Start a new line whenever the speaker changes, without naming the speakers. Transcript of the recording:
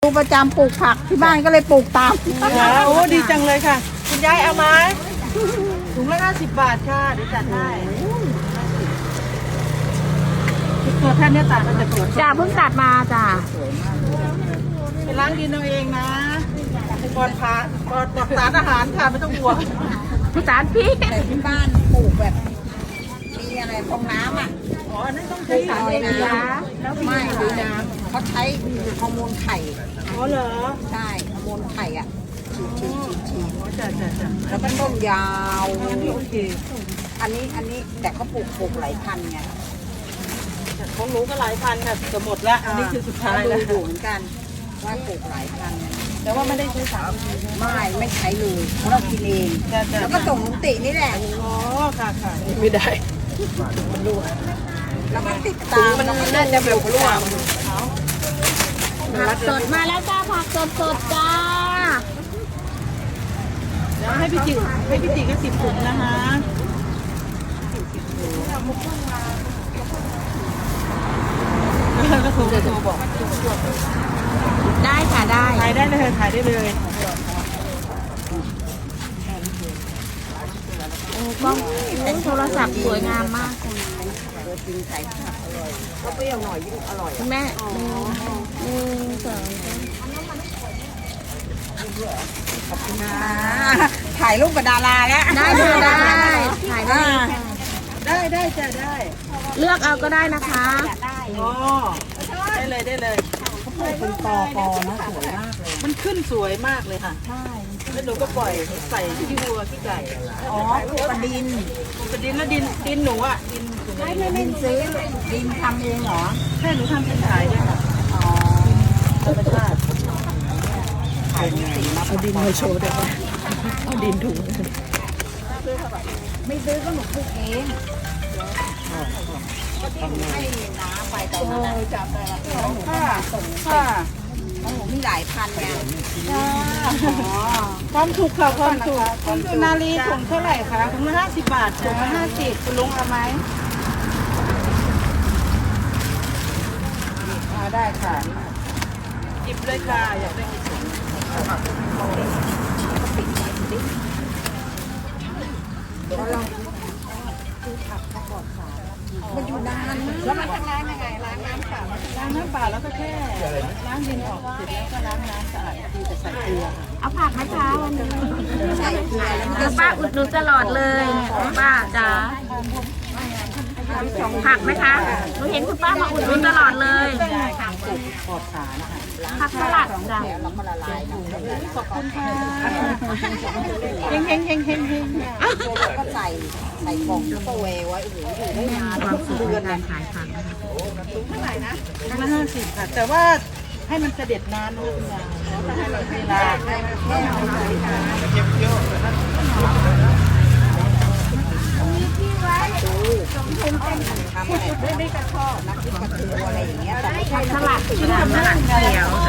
ดูประจำปลูกผักที่บ้านก็เลยปลูกตาม
โอ้ดีจังเลยค่ะคุณยายเอาไหมถุงละ50 บาทค่ะเดี๋ยวจัดให้ตัวท่านเนี่ยตัดมาจากสวน
จ้าเพิ่งตัดมาจ้า
ไปล้างดินเอาเองนะปลอดภัยปลอดสารอาหารค่ะไม่ต้องห่วง
พี่สารพี่
แต่ที่บ้านปลูกแบบมีอะไรฟองน้ำอ่ะ
อ๋ออันนั้นต้องใช้สาร
ลอย
เอง
น้
นะ
ำไม่หรือน้ำเขาใช้ฮอร์โมนไข่
อ๋อเหรอ
ใช่ฮอร์โมนไข่อ่ะฉีด
อ๋อจ้ะจ้ะ
แล้วก็ต้นยาว
โอเค
อันนี้แต่เขาปลูกหลายพันไง
ของหนูก็หลายพันค่ะจะหมดละอันนี้คือสุดท้ายแล้ว
ดูเหมือนกันว่าปลูกหลายพัน
แต่ว่าไม่ได้ใช้สาร
ไม่ใช้เลยเพราะเรากินเอง
จ้ะจ้ะ
แล้วก็ส่งลุงตินี่แหละ
อ๋อค่ะค่ะไม่ได้
แล้วก็ติดตาม
มันน่าจะแบบร่วง
ผักสดมาแล้วจ้าผักสดสดจ้า
เดี๋ยวให้พี่จิก็10 ถุงนะคะก็โทรบอก
ได้ค่ะได้
ถ่ายได้เลยถ่ายได้เลย
โอ้กล้องโทรศัพท์สวยงามมากจ้ะ
ตัวจริงใส่ผักอร่อยก็เปรี้ยวหน่อยยิ่งอร่อย
คุณแม่หนึ่งสองสาม
ขอบคุณนะถ่ายรูปกับดาราแล้ว
ได้ค่ะได้ถ่ายได้
ได้จ้ะได้
เลือกเอาก็ได้นะคะ
อ๋อได้เลยได้เลย
เป็นปอนะสวยมากเลย
มันขึ้นสวยมากเลยค่ะใช่แล้วหนูก็ปล่อยใส่ขี้วัวขี้ไก่
อ๋อปลูกกระดิน
เป็นดินแล้วดินหนูอ่ะดินอยู่ใน
ดินซื้อดินทำเองเหรอ
ใช่หนูทำเป็นขายด้วยค่ะ
อ๋อ
ธรรมชาติ
ขายสีมา
เอาดินมาโชว์ด้วยเอาดินถุง
ไม่ซื้อก็หนูปลูกเองก็ที่หนูให้น้าไปตอนนั้นนะ
จับได้ละ
ค่ะส่ง
ค่ะ
ของหนูมีหลายพันไงอ๋อ
ความถูกค่ะความถูกคุณสุนารีถุงเท่าไหร่คะถุงละ50 บาทถุงละ50คุณลุงเอาไหมได้ค่ะหยิบเลยค่ะอยากได้กี่ถุง
มันอยู่นานมากแล้วมันทำงานยังไงล้างน้ำเปล่า
ล้างน้ำเปล่าแล้วก็แค่ล้างดินออกเสร็จแล้วก็ล้างน้ำสะอาดทีแต่ใส่เกลือค่ะ
เอาผักไหมคะวันนี้
ใส่เกลือแล้ว
เดี๋ยวป้าอุดหนุนตลอดเลยเนี่ยป้าจ๋าผักไหมคะหนูเห็นคุณป้ามาอุดหนุนตลอดเลย
ปลอดสารค่ะ
ผักสลัดจ้ะ
แล้วมันละลายนะ
ขอบคุณค่ะเฮงเฮงเฮงเฮงเฮง
แล้วก็ใส่กล่องแล้วก็เวไว้โอ้โหอยู่ได้นาน
ความสุขในการขายผักนะคะ
ถุงละ50ค่ะแต่ว่าให้มันเสด็จน้ำนะคุณยายถ้าให้เราเวลา
ทำอะไรไม่กระชอบนักที่กระเทืออะไรอย่างเงี้ยแต่ไม่ใช่
สลัดสลัดเขียว